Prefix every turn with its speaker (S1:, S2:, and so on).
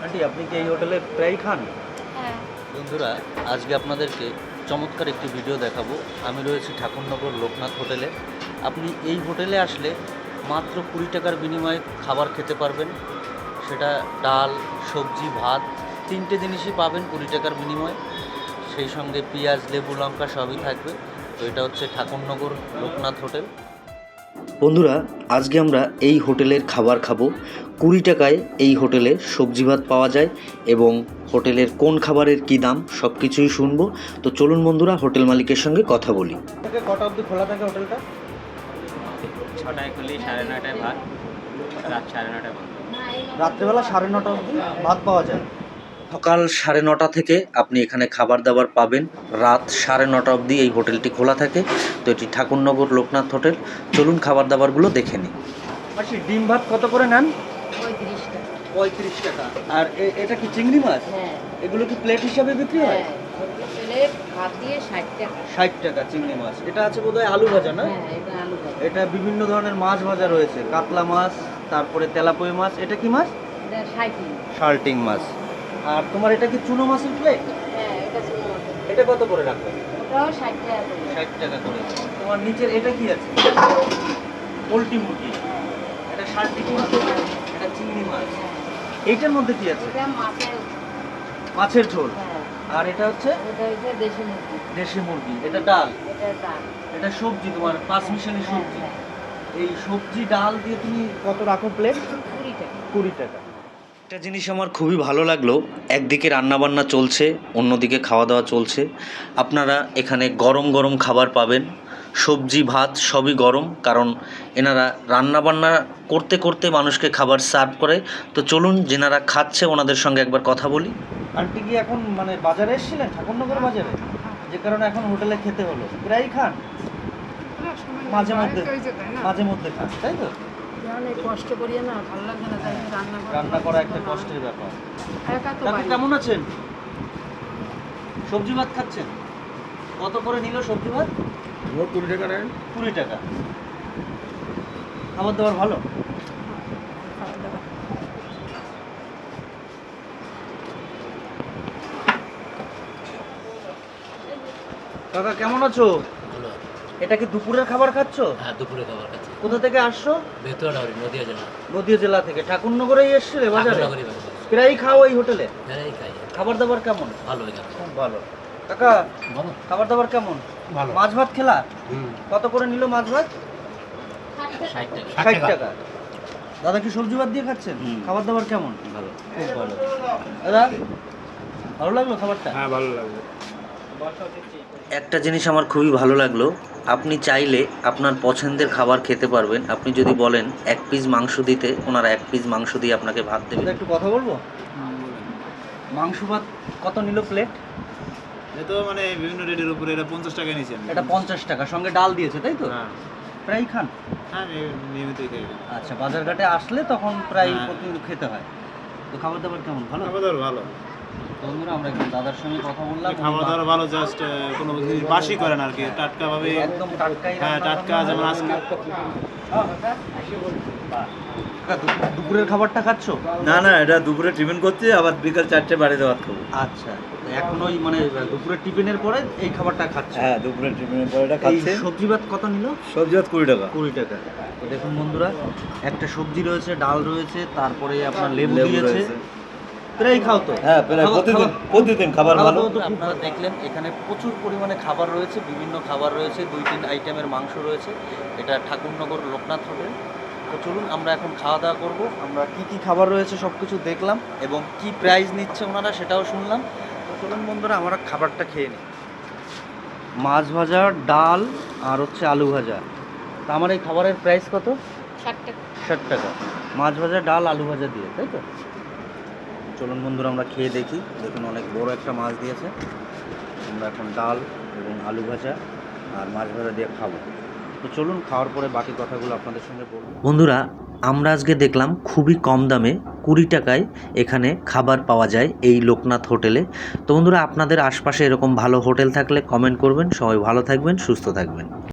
S1: Aunty আপনি কি এই হোটেলে প্রায় খান?
S2: হ্যাঁ।
S3: বন্ধুরা, আজকে আপনাদেরকে চমৎকার একটি ভিডিও দেখাবো। আমি রয়েছি ঠাকুরনগর লোকনাথ হোটেলে। আপনি এই হোটেলে আসলে মাত্র 20 টাকার বিনিময়ে খাবার খেতে পারবেন। সেটা ডাল, সবজি, ভাত, তিনটে জিনিসই পাবেন 20 টাকার বিনিময়ে। সেই সঙ্গে পেঁয়াজ, লেবু, লঙ্কা সবই থাকবে। তো এটা হচ্ছে ঠাকুরনগর লোকনাথ হোটেল।
S4: বন্ধুরা, আজকে আমরা এই হোটেলের খাবার খাবো। 20 টাকায় এই হোটেলে সবজি ভাত পাওয়া যায় এবং হোটেলের কোন খাবারের কী দাম সব কিছুই শুনবো। তো চলুন বন্ধুরা, হোটেল মালিকের সঙ্গে কথা বলি।
S1: কটা অবধি খোলা থাকে হোটেলটা?
S5: 6টায় খুলি, 9:30টায় ভাত, রাত 9:30টায় বন্ধ।
S1: রাত্রেবেলা 9:30 অবধি ভাত পাওয়া যায়।
S4: সকাল 9:30 থেকে আপনি এখানে খাবার দাবার পাবেন। রাত 9:30 অবধি এই হোটেলটি খোলা থাকে। তো এটি ঠাকুরনগর লোকনাথ হোটেল। চলুন খাবার দাবারগুলো দেখে নিই।
S1: মাসি ডিম ভাত কত করে নেন?
S2: 35 টাকা।
S1: 35 টাকা। আর এটা কি চিংড়ি মাছ?
S2: হ্যাঁ।
S1: এগুলো কি প্লেট হিসাবে বিক্রি হয়?
S2: হ্যাঁ, প্লেট ভাত দিয়ে 60 টাকা।
S1: 60 টাকা চিংড়ি মাছ। এটা আছে বোধহয় আলু ভাজা না?
S2: হ্যাঁ, এটা আলু ভাজা।
S1: এটা বিভিন্ন ধরনের মাছ ভাজা রয়েছে, কাতলা মাছ, তারপরে তেলাপই মাছ। এটা কি মাছ?
S2: এটা 60।
S1: শার্টিং মাছ। আর তোমার এটা কি চুনো মাছের প্লেট?
S2: হ্যাঁ, এটা ছিল।
S1: এটা কত করে রাখো?
S2: ওটাও 60 টাকা করে।
S1: 60 টাকা করে। তোমার নিচের এটা কি আছে? পোলট্রি মুরগি। এটা শার্টিং মাছ, এটা চিংড়ি মাছ। এইটার মধ্যে কি আছে?
S2: এটা মাছের।
S1: মাছের ঝোল।
S2: হ্যাঁ।
S1: আর এটা হচ্ছে
S2: এটা হচ্ছে দেশি মুরগি।
S1: দেশি মুরগি। এটা ডাল।
S2: এটা ডাল।
S1: এটা সবজি, তোমার পাঁচ মিশালি সবজি।
S2: হ্যাঁ,
S1: এই সবজি ডাল দিয়ে তুমি কত রাখো প্লেট?
S2: 20 টাকা।
S1: 20 টাকা।
S4: একটা জিনিস আমার খুবই ভালো লাগলো, একদিকে রান্নাবান্না চলছে, অন্যদিকে খাওয়া দাওয়া চলছে। আপনারা এখানে গরম গরম খাবার পাবেন, সবজি ভাত সবই গরম, কারণ এনারা রান্নাবান্না করতে করতে মানুষকে খাবার সার্ভ করে। তো চলুন, যেনারা খাচ্ছে ওনাদের সঙ্গে একবার কথা বলি।
S1: আন্টি কি এখন মানে বাজারে এসেছিলেন, ঠাকুরনগর বাজারে? যে কারণে এখন হোটেলে খেতে হলো। প্রায়ই খান? মাঝে মধ্যে মাঝে মধ্যে খান, তাই তো?
S2: কষ্ট করি না, ভালো লাগে না, তাই রান্না করি।
S1: রান্না করা একটা কষ্টের ব্যাপার।
S2: একা তো
S1: কাকু
S2: পারি।
S1: কেমন আছেন? সবজি ভাত খাচ্ছেন? কত করে নিল সবজি ভাত?
S5: 20 টাকা নেন।
S1: 20 টাকা। খাবার দাবার ভালো? কাকা কেমন আছো?
S3: ভালো।
S1: এটা কি দুপুরের খাবার খাচ্ছো?
S3: হ্যাঁ, দুপুরে খাবার খাচ্ছি।
S1: কোথা থেকে আসছো?
S3: বেতুয়াডাহরি, নদিয়া জেলা।
S1: নদীয়া জেলা থেকে। ঠাকুরনগরেই এসছিলে বাজারে?
S3: ঠাকুরনগরই বাজার।
S1: প্রায়ই খাও এই হোটেলে?
S3: যারাই খাই
S1: খাবার দাবার কেমন?
S3: ভালো এখানে।
S1: খুব ভালো। কাকা
S3: বলো।
S1: খাবার দাবার কেমন?
S5: ভালো।
S1: মাছ ভাত খেলা? কত করে নিল মাছ ভাত?
S3: 60 টাকা।
S1: 60 টাকা। দাদা কি সবজি ভাত দিয়ে খাচ্ছেন? খাবার দাবার কেমন?
S3: ভালো।
S1: খুব ভালো। দাদা ভালো লাগলো খাবারটা?
S5: হ্যাঁ, ভালো লাগবে।
S4: একটা জিনিস আমার খুবই ভালো লাগলো, আপনি চাইলে আপনার পছন্দের খাবার খেতে পারবেন। আপনি যদি বলেন 1 পিস মাংস দিতে, ওনারা 1 পিস মাংস দিয়ে আপনাকে ভাত দেবে।
S1: দাদা একটু কথা বলবো? মাংস ভাত কত নিল প্লেট?
S5: এটা তো মানে বিভিন্ন রেটের উপরে, এটা 50 টাকা নিয়েছি আমি।
S1: এটা 50 টাকা, সঙ্গে ডাল দিয়েছে, তাই তো?
S5: হ্যাঁ,
S1: প্রায় খান?
S5: হ্যাঁ, আমি নিয়মিতই খাই।
S1: আচ্ছা, বাজারঘাটে আসলে তখন প্রায়
S5: হ্যাঁ।
S1: প্রতিদিন খেতে হয়। তো খাবার দাবার কেমন? ভালো?
S5: খাবার দাবার ভালো।
S1: তো বন্ধুরা, আমরা একটু দাদার সঙ্গে কথা বললাম।
S5: খাবার দাবার ভালো, জাস্ট কোনো জিনিস বাসি করেন আর কি, টাটকা ভাবে।
S1: একদম টাটকাই
S5: হ্যাঁ,
S1: রান্না
S5: টাটকা,
S1: বান্না
S5: যেমন
S1: হয়।
S5: আজকে।
S1: কাকা, দুপুরের খাবারটা খাচ্ছো?
S6: না না, এটা দুপুরে টিফিন করছি, আবার বিকাল 4টে বাড়িতে ভাত খাবো।
S1: আচ্ছা, এখন ওই মানে দুপুরের টিফিনের পরে এই খাবারটা খাচ্ছে।
S6: হ্যাঁ, দুপুরে টিফিনের পরে এটা
S1: এই
S6: খাচ্ছে।
S1: সবজি ভাত কত নিল?
S6: সবজি ভাত 20 টাকা।
S1: 20 টাকা। তো দেখুন বন্ধুরা, একটা সবজি রয়েছে, ডাল রয়েছে, তারপরে আপনার লেবু দিয়েছে।
S6: রয়েছে।
S1: প্রায় খাও তো?
S6: হ্যাঁ, প্রায় প্রতিদিন খাবার ভালো।
S3: আপনারা দেখলেন এখানে প্রচুর পরিমাণে খাবার রয়েছে, বিভিন্ন খাবার রয়েছে, 2-3 আইটেমের মাংস রয়েছে। এটা ঠাকুরনগর লোকনাথ হোটেল। তো চলুন আমরা এখন খাওয়া দাওয়া করবো। আমরা কি কি খাবার রয়েছে সব কিছু দেখলাম এবং কি প্রাইস নিচ্ছে ওনারা সেটাও শুনলাম।
S1: তো চলুন বন্ধুরা, আমরা খাবারটা খেয়ে নিই। মাছ ভাজা, ডাল আর হচ্ছে আলু ভাজা। তা আমার এই খাবারের প্রাইস কত?
S2: 60 টাকা।
S1: 60 টাকা। মাছ ভাজা, ডাল, আলু ভাজা দিয়ে, তাই তো? চলুন বন্ধুরা, আমরা খেয়ে দেখি। দেখুন অনেক বড় একটা মাছ দিয়েছে। আমরা এখন ডাল এবং আলু ভাজা আর মাছ ভাজা দিয়ে খাবো। তো চলুন, খাওয়ার পরে বাকি কথাগুলো আপনাদের সঙ্গে বলবো।
S4: বন্ধুরা, আমরা আজকে দেখলাম খুবই কম দামে 20 টাকায় এখানে খাবার পাওয়া যায় এই লোকনাথ হোটেলে। তো বন্ধুরা, আপনাদের আশপাশে এরকম ভালো হোটেল থাকলে কমেন্ট করবেন। সবাই ভালো থাকবেন, সুস্থ থাকবেন।